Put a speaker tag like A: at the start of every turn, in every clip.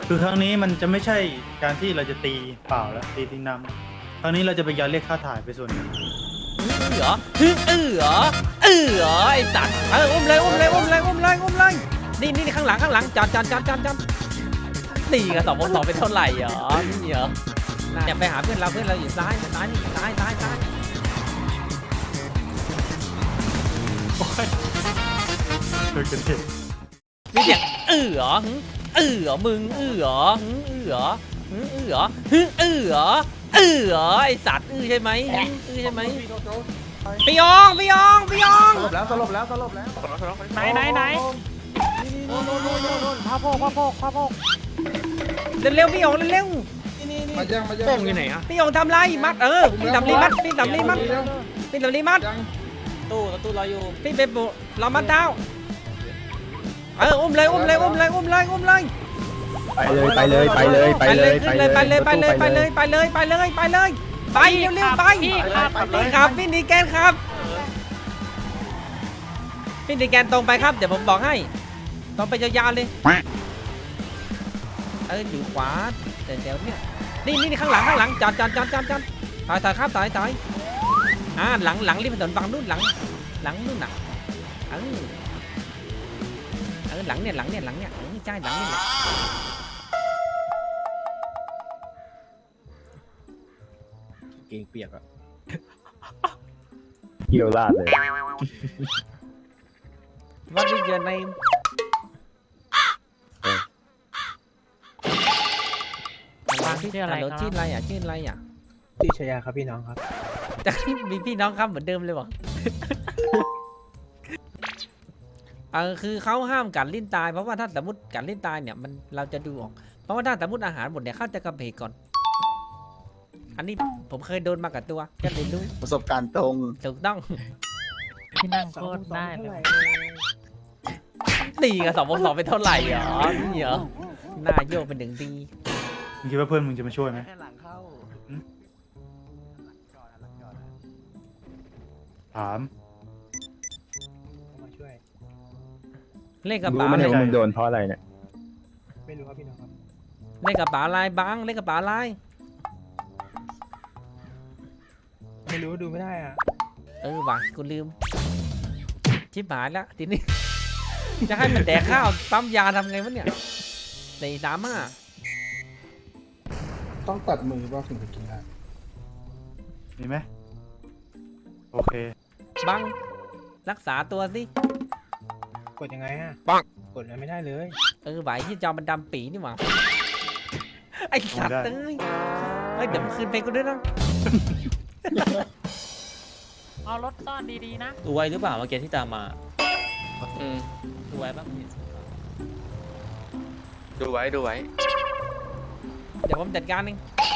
A: คือครั้งนี้มันจะไม่ใช่การที่เราจะตีเปล่าแล้วตีทิ้งน้ำครั้งนี้เราจะไปยัดเรียกค่าถ่ายไปส่วนหนึ่ง
B: เหรอเหรอเหรอไอ้สัตว์อุ้มเลยนี่ข้างหลังจอดตีกัน2 เป็นเท่าไหร่เหรอนี่เหรอเนี่ยไปหาเพื่อนเราอยู่ซ้าย
A: โดยกันเถอะ
B: นี่เนี่ยเหรอมึงเหรอเหรอไอสัตว์ใช่ไหมใช่ไหมพี่ยอง
C: สลบแล้ว
D: ไหนพาโพก
B: เร็วพี่ยองเร็ว
C: มาแย่ง
D: โป่งอยู่ไหนอะ
B: พี่ยองทำไรมัดพี่ทำรีมัด
D: ตู้รออยู่
B: พี่เป็นบุเรามัดเท้าอุ้มเลย
C: ไปเลย
B: ขึ้นเลยไปเร็วไปเร็วไปเร็วพี่ครับพี่นีแกนครับพี่นีแกนตรงไปครับเดี๋ยวผมบอกให้ตรงไปยาวๆเลยอยู่ขวาเดี๋ยวเนี่ยนี่ข้างหลังจอดถอยครับถอยหลังริมถนนฝั่งนู้นหลังนู่นน่ะหลังเนี่ยใช่หลังนี่แหละ
D: เก่งเปียกอะ
E: เกี่ยวลาดเลย
B: What is your name
D: ชื่ออะไรครับ
B: ชื่ออะไรอ่ะ
C: พี่ชยาครับพี่น้องครับ
B: จะมีพี่น้องครับเหมือนเดิมเลยบอกคือเขาห้ามกัดลิ้นตายเพราะว่าถ้าสมมติกัดลิ้นตายเนี่ยมันเราจะดูออกเพราะว่าถ้าสมมติอาหารหมดเนี่ยเขาจะกระเพกก่อนอันนี้ผมเคยโดนมากับตัวก็เลยรู้
E: ประสบการณ์ตรง
B: ถูกต้อง
D: ที่นั่งโคตรได้เลย
B: ตีกัน2 เป็นเท่าไหร่เหรอนี่เหรอหน้าโยกเป็น1 ที
A: มึงคิดว่าเพื่อนมึงจะมาช่วยไหม
C: แค่หลังเข้า
A: ถาม
C: มาช่วย
B: เลขกระ
E: รู้
B: เป๋า
E: ไหม
B: เล
E: เนี่ย ยว่ามึงโดนเพราะอะไรเนี่ย
C: ไม่รู้ครับพี่น้องครับ
B: เลขกระเป๋าลายบังเลขกระเป๋าลาย
C: ไม่รู้ดูไม่ได้อ่ะ
B: ว่ะกูลืมชิบหายแล้วทีนี้ จะให้มันแดกข้าวปั๊มยาทำไงวะเนี่ย435
C: ต้องตัดมือว่าถึงจะกินได้
A: มีไหมโอเค
B: บังรักษาตัวสิ
C: กดยังไงฮะกดอะไรไม่ได้เลย
B: ไหวที่จอมันดำปีนี่หว่าไอ้สัตว์เดี๋ยวมันคืนไปกูด้วยนะ
D: เอารถซ่อนดีๆนะ
F: ดูไว้หรือเปล่าเมื่อกี้ที่ตามมาดูไว้บ้าง
G: ดูไว้
B: เดี๋ยวผมจัดการเอง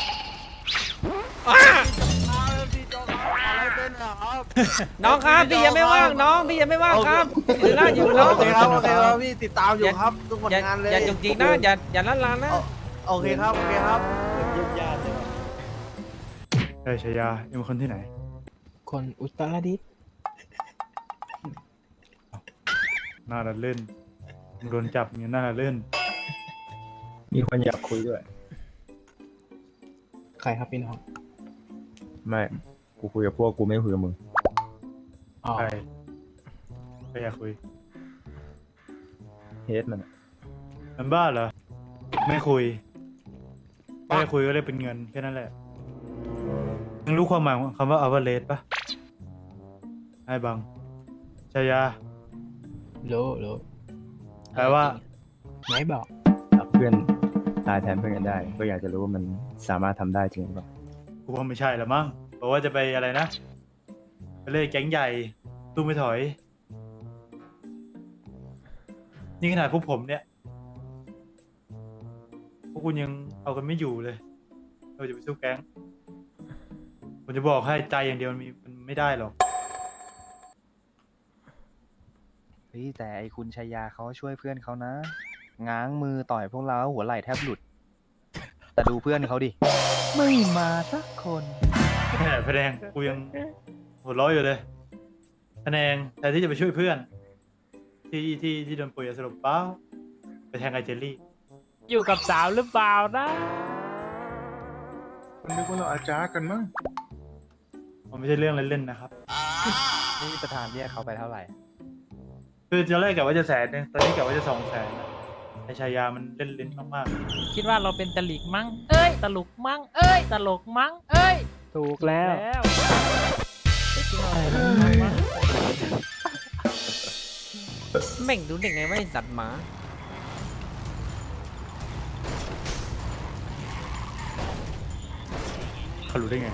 B: น้องครับพี่ยังไม่ว่างน้องพี่ยังไม่ว่างครับอยู่น้อง
C: โอเคครับพี่ติดตามอยู่ครับทุกผลงานเลย
B: อย่าจุกจิกนะอย่าละลานนะ
C: โอเคครับ
A: ชยาเอ็มเป็นคนที่ไหน
C: คนอุตรดิตถ์
A: น่าละเล่นมึงโดนจับอย่างนี้น่าละเล่น
E: มีคนอยากคุยด้วย
C: ใครครับพี่น้อง
E: ไม่ กูคุยกับพวกกูไม่คุยกับมึง
C: อ๋อ
A: ใครใครอยากคุย
E: เฮดมันอะ
A: มันบ้าเหรอไม่คุยไม่คุยก็เลยเป็นเงินแค่นั้นแหละมึงรู้ความหมายของคำว่า average ปะไอ้บังชยา
C: โล
A: แปลว่า
C: ไม่บอก
E: รับเพื่อนตายแทนเพื่อนกันได้ ก็อยากจะรู้ว่ามันสามารถทำได้จริงหรือเปล่า
A: กูว่าไม่ใช่ละมั้งบอกว่าจะไปอะไรนะไปเลยแก๊งใหญ่ตู้ไม่ถอยนี่ขนาดพวกผมเนี่ยพวกคุณยังเอากันไม่อยู่เลยเราจะไปสู้แก๊งผมจะบอกให้ใจอย่างเดียวมันไม่ได้หรอก
H: เฮ้ยแต่ไอคุณชายาเขาช่วยเพื่อนเขานะ ง้างมือต่อยพวกเราหัวไหล่แทบหลุด แต่ดูเพื่อนเขาดิ ไม่มาสักคน
A: แหมพะแนงกูยังหัวเร้อยอยู่เลยพะแนงแทนที่จะไปช่วยเพื่อนที่โดนป่วยยาสลบเปล่าไปแทงไอเจลลี่
D: อยู่กับสาวหรือเปล่านะ
G: มันนึกว่าเราอาจารย์กันมั้ง
A: มันไม่ใช่เรื่องเล่นๆนะครับ
H: นี่ประธานเรียกเขาไปเท่าไหร่
A: คือตอนแรกกะว่าจะ100,000ตอนนี้กะว่าจะ200,000แล้วไอชายามันเล่นลิ้นมาก
D: คิดว่าเราเป็นตลิกมั้ง เอ้ย ตลกมั้ง เอ้ย ตลกมั้ง เอ้ย
C: ถูกแล้ว
D: แล้ว
B: แม่งดูเด็กไงว่าไอ้สัตว์หมา
A: ๆเขารู้ได้ไง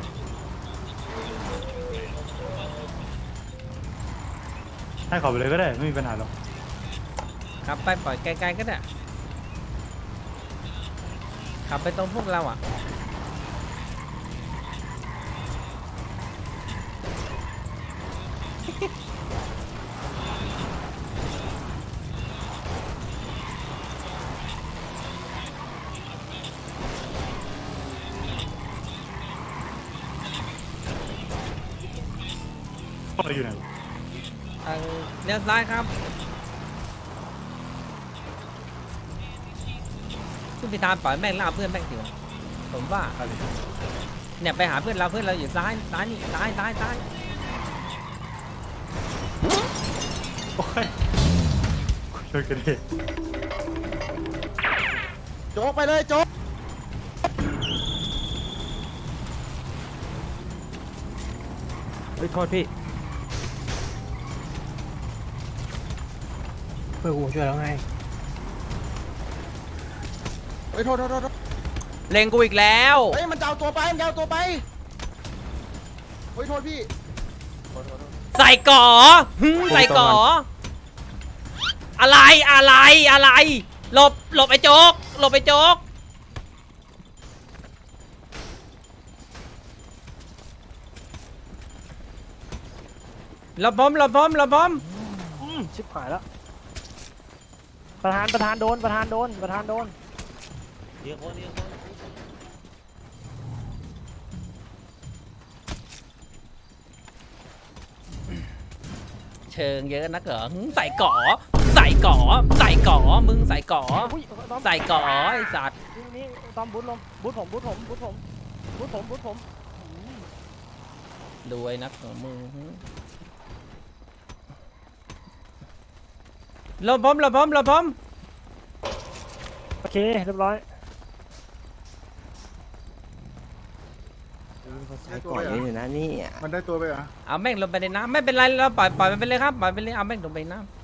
A: ให้เขาไปเลยก็ได้ไม่มีปัญหาหรอก
B: ขับไปปล่อยไกลๆก็ได้ขับไปตรงพวกเราอ่ะ
A: เราอยู่ไหน
B: เลี้ยวซ้ายครับคุณพิธาปล่อยแม่งล่าเพื่อนแม่งเถื่อนผมว่า
A: อะไร
B: เนี่ยไปหาเพื่อนเราอยู่ซ้ายนี่ซ้าย
A: โอ้ยช่วยกันดิ
H: โจ๊กไปเลยโจ๊ก
C: เฮ้ย โทษพี่ เพื่อนกูช่วยแล้วไง
H: เฮ้ยโทษ
B: เล็งกูอีกแล้ว
H: เฮ้ยมันจะเอาตัวไปเฮ้ยโทษพี่
B: ใส่ก่อใส่ก่ออะไรหลบไอ้โจ๊กหลบไอ้โจ๊กหลบผม
C: ชิบหายแล้ว ประธานโดน
B: เชิงเยอะนักเหรอใส่ก่อมึงใส่ก่อใส่ก่อไอ้สัตว์
C: นี่ตอมบูทลมบูทผม
B: ดูไอ้นักของมึงหลบผม
C: โอเค เรียบร้อย
G: ก่อนนี้นะนี่มันได้ตัวไปเหรอ
B: เอาแม่งลงไปในน้ำไม่เป็นไรเราปล่อยมันไปเลยครับปล่อยไปเลยเอาแม่งลงไปในน้ำ